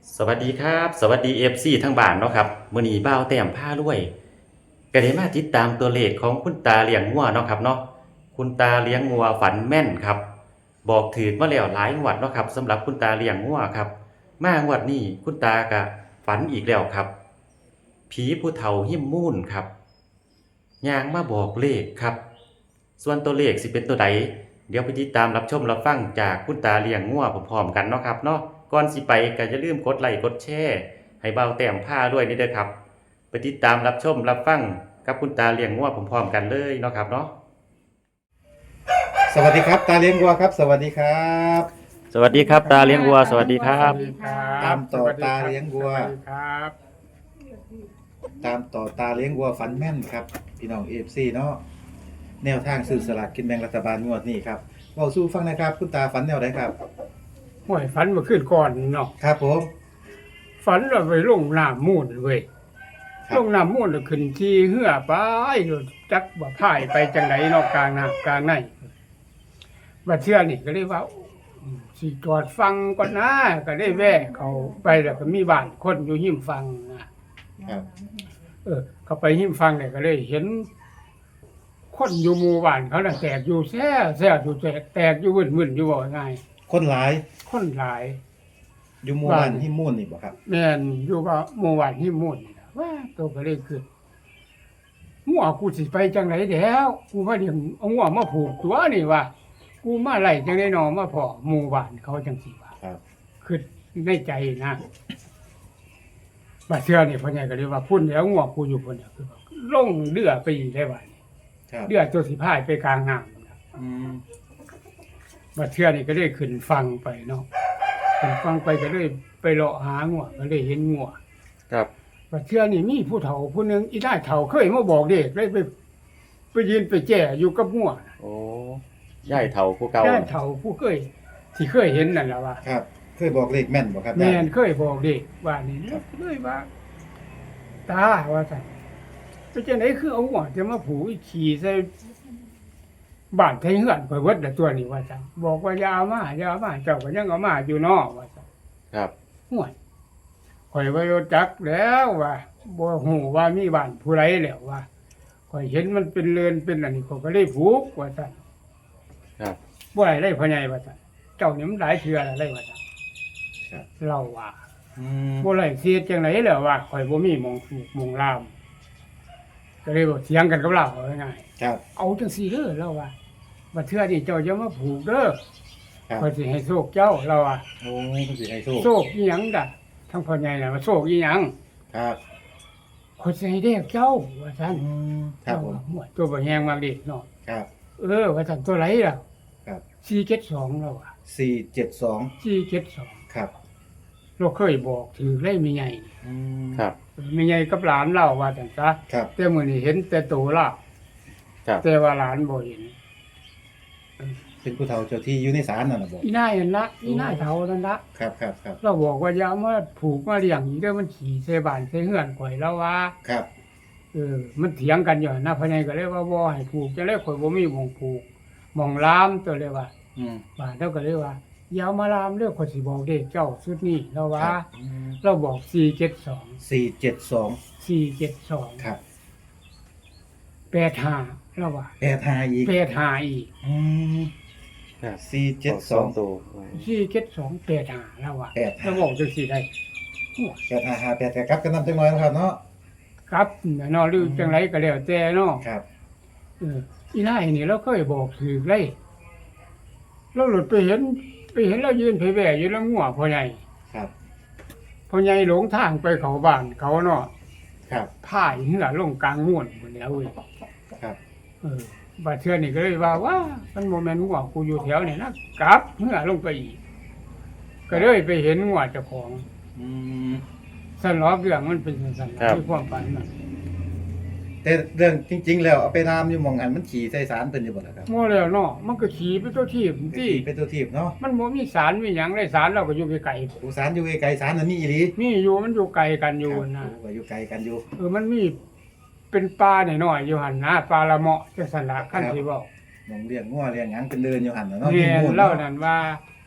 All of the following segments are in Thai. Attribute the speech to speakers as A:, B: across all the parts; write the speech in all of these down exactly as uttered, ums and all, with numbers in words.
A: สวัสดีครับสวัสดี เอฟ ซี ทั้งบ้านเนาะครับมื้อนี้บ่าวแต้มพารวยก็ได้มาติดตามตัวเลขของคุณตาเลี้ยงงัวเนาะครับเนาะคุณตาเลี้ยงงัวฝันแม่นครับบอกถูกมาแล้วหลายงวดเนาะครับสำหรับคุณตาเลี้ยงงัวครับมางวดนี้คุณตาก็ฝันอีกแล้วครับผีผู้เฒ่าหิ้มมูนครับย่างมาบอกเลขครับส่วนตัวเลขสิเป็นตัวใดเดี๋ยวไปติดตามรับชมรับฟังจากคุณตาเลี้ยงงัวพร้อมๆกันเนาะครับเนาะ ก่อนสิไปก็อย่าลืมกดไลค์กดแชร์ให้เบาแต้มผ้าด้วยนี่เด้อครับไปติดตามรับชมรับฟังกับคุณตาเลี้ยงงัวพร้อมๆกันเลยเนาะครับเนาะ
B: สวัสดีครับตาเลี้ยงวัวครับสวัสดีครับ
A: สวัสดีครับตาเลี้ยงวัวสวัสดีครับ
C: สวัสดีครับ
B: ตามต่อตาเลี้ยงวัว
C: สวัสดีครับ
B: ตามต่อตาเลี้ยงวัวฝันแม่นครับพี่น้องเอฟซีเนาะแนวทางซื้อสลากกินแบ่งรัฐบาลงวดนี้ครับเว้าสู้ฟังนะครับคุณตาฝันแนวไหนครับ
C: ห่วยฝันเมาขึ้นก่อนเนาะ
B: ครับผม
C: ฝันว่าไปลงน้ำมูลเว้ย
B: ครับ
C: ลงน้ำมูลแล้วขึ้นที่เหือไปจักว่าพายไปจังไหนเนอกกลางน้ำกลางในบัดเชื่อนี่ก็เลยว่าอืมสิจอดฟังก่อนนะก็ได้แว่เขาไปแล้วก็มีบ้านคนอยู่หิมฟังนะครับ เออ เขาไปหิมฟังเนี่ยก็เลยเห็น คนอยู่หมู่บ้านเขาน่ะแตกอยู่แซ่แซ่อยู่แตกแตกอยู่วุ่นๆอยู่บ่ง่าย
B: คนหลาย
C: คนหลาย
B: อยู่หมู่บ้านที่มุ่นนี่บ่ครับ
C: แม่นอยู่ว่าหมู่บ้านที่มุ่นนี่ล่ะว่าตัวก็เลยคืองัวกูสิไปจังไหนแล้วกูมาเลี้ยงเอางัวมาผูกตัวนี่ว่ากูมาไล่จังได๋หนอมาพอหมู่บ้านเขาจังซี่ว่า
B: ครับ
C: คือในใจนะบัดเทื่อนี่พ่อใหญ่ก็เลยว่าพุ่นแล้วงัวกูอยู่พุ่นน่ะคือว่าลงเรือไปอีกได้ว่านี่
B: ครับ
C: เรือตัวสิพายไปกลางน้ำนะ
B: อืม
C: บัดเทื่อนี่ก็เลยขึ้นฟังไปเนาะขึ้นฟังไปก็เลยไปเลาะหางัวก็เลยเห็นงัว
A: ครับ
C: ว่าเชื่อนี่มีผู้เฒ่าผู้หนึงอีได้เฒ่าเคยมาบอกเด็กเลยไปไปยืนไปแจ้อยู่กับงัว
A: โอ้ย่ายเฒ่าผู้เก่า
C: ได้เฒ่าผู้เคยที่เคยเห็นนั่นแหละว่า
B: ครับเคยบอกเลขแม่นบ่ครับ
C: แม่นเคยบอกเด็กว่านี่เลยว่า ตาว่าซั่นไปจังได๋คือเอางัวจะมาผูกอีขี่ใส่บ้านไทเฮือนข่อยเบิดละตัวนี้ว่าซั่นบอกว่าอย่าเอามาอย่าเอามาเจ้าก็ยังเอามาอยู่เนาะว่าซั่น
A: ครับ
C: ห่วยข่อยบ่รู้จักแล้วว่าบ่ฮู้ว่ามีบ้านผู้ใดแล้วว่าข่อยเห็นมันเป็นเรือนเป็นอันนี้ข่อยก็เลยผูกว่าซั่น
A: ครับ
C: บ่ได้เลยพ่อใหญ่ว่าซั่นเจ้านี่มันหลายเทื่อแล้วเลยว่าซั่น
B: ครับ
C: เราว่า
B: อืม
C: บ่ได้เสียจังได๋แล้วว่าข่อยบ่มีหมองผูกหมองลามก็เลยบ่เถียงกันกับเราว่าง่าย
B: ครับ
C: เอาจังซี่เด้อเราว่าบัดเทื่อนี้เจ้าอย่ามาผูกเด้อ
B: ครับ
C: ข่อยสิให้โชคเจ้าเราว่า
B: โอ้ยคุณสิให้โชค
C: โชคอีหยังดะทั้งพ่อใหญ่น่ะว่าโชคอีหยัง
B: ครับ
C: ข่อยสิให้เด้อเจ้าว่าซั่น
B: อืมครับผม
C: หัวตัวบ่แหงมากดิเนาะ
B: ครับ
C: เออว่าซั่นตัวไรล่ะ
B: ครับ
C: สี่เจ็ดสองแล้วอ่ะ
B: สี่เจ็ดสอง
C: สี่เจ็ดสอง
B: ครับ
C: เราเคยบอกถือได้มีใหญ่
B: อืม
A: ครับ
C: มีใหญ่กับหลานเล่าว่าจังซะ
B: ครับ
C: แต่มื้อนี้เห็นแต่ตัวเล่า
A: ครับ
C: แต่ว่าหลานบ่เห็น
B: เป็นผู้เฒ่าเจ้าที่อยู่ในศาลนั่นน่ะบ่
C: อีนายนั่นละอีนายเฒ่านั่นละ
B: ครับครับครับ
C: เราบอกว่าอย่ามาผูกมาเลี้ยงอีกเด้อมันขี่ใส่บ้านใส่เฮือนข่อยแล้วว่า
B: ครับ
C: เออมันเถียงกันอยู่นะพ่อใหญ่ก็เลยว่าบ่ให้ผูกจะเลยข่อยบ่มีหม่องผูกหม่องลามตัวเลยว่า
B: อืม
C: บ้านเราก็เลยว่าอย่าเอามาลามเด้อข่อยสิบอกเด็กเจ้าสุดนี้แล้วว่า
B: ครับอืม
C: เราบอกสี่เจ็ดสอง
B: สี่เจ็ดสอง
C: สี่เจ็ดสอง
B: ครับ
C: แปดห้าเราว่า
B: แปดห้าอีก
C: แปดห้าอีก
B: อืม
A: ครับ
B: สี่เจ็ดสอง
A: ตัว
C: สี่เจ็ดสองแปดห้าเราว่า
B: แปดห้า
C: เราบอกจังสี่ได้โอ้ย
B: แปดห้าห้าแปดแต่ครับกันนำจังหน่อยนะครับเนาะ
C: ครับเนาะหรือจังไรก็แล้วแต่เนาะ
B: ครับ
C: เอออีนายนี่เราเคยบอกถือเลยเราหลุดไปเห็น ไปเห็นเรายืนเผยแว่อยู่แล้วงัวพ่อใหญ่
B: ครับ
C: พ่อใหญ่หลงทางไปเขาบ้านเขาเนาะ
B: ครับ
C: พ่ายเหือลงกลางม่วนหมดแล้วเว้ย
B: ครับ
C: เออบาดเทื่อนี่ก็เลยว่าว่ามันโมเมนต์งัวกูอยู่แถวนี่นะกลับเหือลงไปอีก ก็เลยไปเห็นงัวเจ้าของ
B: อืม
C: สนอกเรื่องมันเป็นสันๆที่ความฝันน่ะ
B: แต่เรื่องจริง ๆ แล้วเอาไปรามอยู่หม่องอันมันขี่ใส่สารเพิ่นอยู่บ่ล่ะครับ
C: โม่แล้วเนาะมันก็ขี่ไปตัวที่ที่
B: ขี่เป็นตัวทีบเนาะ
C: มันบ่มีสารมีหยังได้สารเราก็อยู่ไกล
B: ผู้สารอยู่ไกลๆสารอันนี้อีหลี
C: ๆมีอยู่มันอยู่ไกลกันอยู่นะ
B: ครับว่าอยู่ไกลกันอยู่
C: เออมันมีเป็นปลาหน่อยๆอยู่หั่นนะปลาละเมาะจังซั่นล่ะคันสิเว้า
B: หม่องเลี้ยงงัวเลี้ยงหยังเป็นเดินอยู่หั่นน่ะเนาะ
C: แม่
B: มีหมู่
C: นเล่านั่นว่า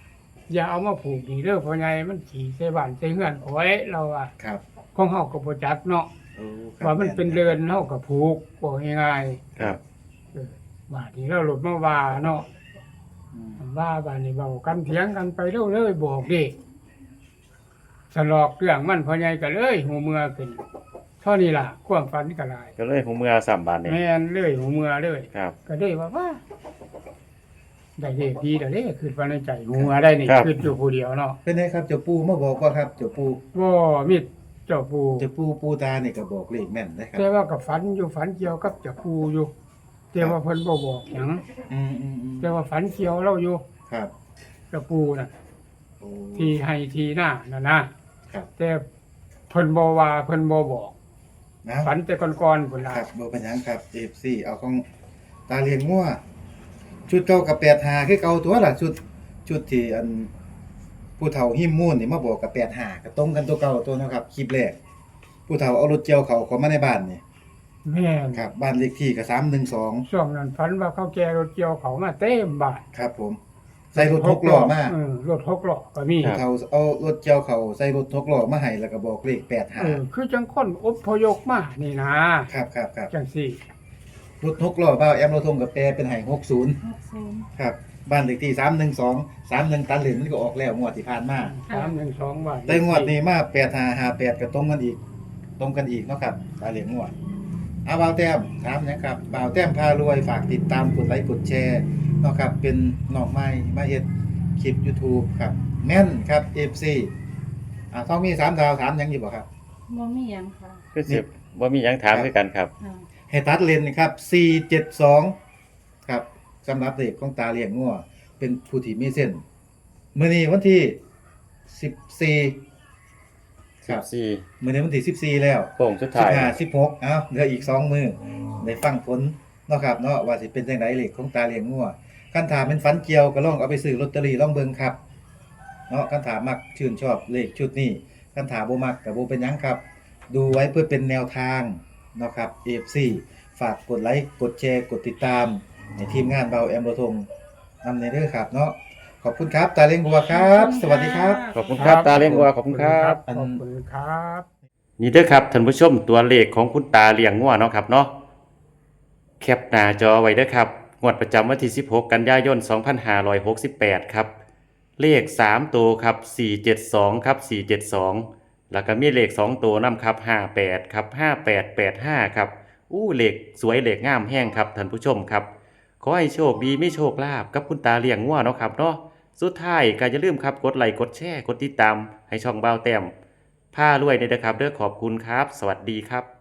C: อย่าเอามาผูกนี่เด้อพ่อใหญ่มันขี่ใส่บ้านใส่เฮือนเอาไว้เราอ่ะ
B: ครับ
C: ของเฮาก็บ่จักเนาะ
B: โอ้ครับ
C: ว่ามันเป็นเรือนเฮาก็ผูกบ่ง่าย
A: ครับ
C: ๆเออบ้านนี้เราหลุดมาว่าเนาะ
B: อืม
C: ว่าบ้านนี้เว้ากันเถียงกันไปเร็วเลยบอกเด้สลอกเรื่องมันพ่อใหญ่ก็เลยหูเมื่อขึ้นเท่านี้ล่ะความฝันก็หลาย
A: ก็เลยผมเมื่อสามบาทนี่
C: แม่นเลยหูเมื่อเลย
A: ครับ
C: ก็ได้ว่าว่าได้เลขดีแล้วเด้คือว่าในใจหูเมื่อได้นี่
A: ครับ
C: คืออยู่ผู้เดียวเนาะ
B: เป็นไงครับเจ้าปูมาบอกว่าครับเจ้าปู
C: บ่มีเจ้าปู่
B: เจ้าปูปูตานี่ก็บอกเลขแม่นนะครั
C: แต่
B: บ
C: ว่ากับฝันอยู่ฝันเกี่ยวกับเจ้าปู่อยู่แต่ว่าเพิ่นบ่บอกหยัง
B: อืมอืมอืม
C: แต่ว่าฝันเกี่ยวเราอยู่
B: ครับ
C: เจ้าปู่น่ะ
B: โอ้
C: ที่ให้ที่หน้านั่นนะครับ แต่เพิ่นบ่ว่าเพิ่นบ่บอก
B: นะ
C: ฝันแต่ก่อนๆพุ่นล่ะ
B: ครับบ่เป็นหยังครับ เอฟ ซี เอาของตาเลียงงัวชุดเก่ากับแปดห้าคือเก่าตัวล่ะชุดชุดที่อันผู้เฒ่าหิมมูนนี่มาบอกกับแปดห้าก็ตรงกันตัวเก่าตัวเนาะครับคลิปแรกผู้เฒ่าเอารถเจียวเขาเข้ามาในบ้านนี่
C: แม่น
B: ครับบ้านเลขที่ก็สามหนึ่งสอง
C: ช่วงนั้นฝันว่าเขาแก่รถเกี่ยวเขามาเต็มบ้าน
B: ครับผม ใส่รถหกล้อมา
C: เออรถหกล้อก็มี
B: ผู้เฒ่าเอารถเจียวเขาใส่รถหกล้อมาให้แล้วก็บอกเลขแปดห้า
C: เออคือจังคนอพยพมานี่นะครับ
B: ครับครับ
C: จังซี่
B: รถหกล้อบ้าวแอมเราทงกับแปรเป็นไห้หกศูนย์ครับบ้านเลขที่สามหนึ่งสองสามหนึ่งตันเหรียญมันก็ออกแล้วงวดที่ผ่านมา
C: สามหนึ่งสองบาท
B: แต่งวดนี้มาแปดห้าห้าแปดก็ตรงกันอีก ตรงกันอีกเนาะครับตาเหรียญงวดเอาบ่าวแต้มถามนะครับบ่าวแต้มพารวยฝากติดตามกดไลค์กดแชร์เนาะครับเป็นน้องใหม่มาเฮ็ดคลิป YouTube ครับแม่นครับ เอฟ ซี อ่าต้องมีสามดาวถามหยังอยู่บ่ครับ
D: บ่มีหยังค่ะ
A: คือสิบ่มีหยังถามคือกันครับ
D: อ่า
B: ให้ตัดเลนนะครับสี่เจ็ดสองครับสำหรับเด็กของตาเลี้ยงงัวเป็นผู้ที่มีเส้นมื้อนี้วันที่สิบสี่ครับ
A: สี่
B: มื้อนี้วันที่สิบสี่แล้ว
A: โป่งสุด
B: สิ
A: ท้าย
B: บห้า สิบหกเอ้าเหลืออีกสองมื้อได้ฟังผลเนาะครับเนาะว่าสิเป็นจังไดเลขของตาเลี้ยงงัวคันถามเป็นฝันเกี่ยวก็ลองเอาไปซื้อลอตเตอรี่ลองเบิ่งครับเนาะคันถามมักชื่นชอบเลขชุดนี้คันถามบ่มักก็บ่เป็นหยังครับ ดูไว้เพื่อเป็นแนวทางเนาะครับ เอฟ ซี ฝากกดไลค์กดแชร์กดติดตามในทีมงานเบาแอมโรทงนำในเด้อครับเนาะขอบคุณครับตาเล้งบัวครับ สวัสดีครับ
A: ขอบคุณครับตาเลี้ยงวัวขอบคุณครับ
C: ขอบคุณครับ
A: นี่เด้อครับท่านผู้ชมตัวเลขของคุณตาเลี้ยงงัวเนาะครับเนาะแคปหน้าจอไว้เด้อครับงวดประจำวันที่สิบหกกันยายนสองพันห้าร้อยหกสิบแปดครับเลขสามตัวครับสี่เจ็ดสองครับสี่เจ็ดสองแล้วก็มีเลขสองตัวนำครับห้าแปดครับห้าแปดแปดห้าครับอู้เลขสวยเลขงามแห้งครับท่านผู้ชมครับขอให้โชคดีไม่โชคลาภกับคุณตาเลี้ยงงัวเนาะครับเนาะสุดท้ายก็อย่าลืมครับกดไลค์กดแชร์กดติดตามให้ช่องเบาแต้มผ้ารวยเนี่ยนะครับเด้อขอบคุณครับ สวัสดีครับ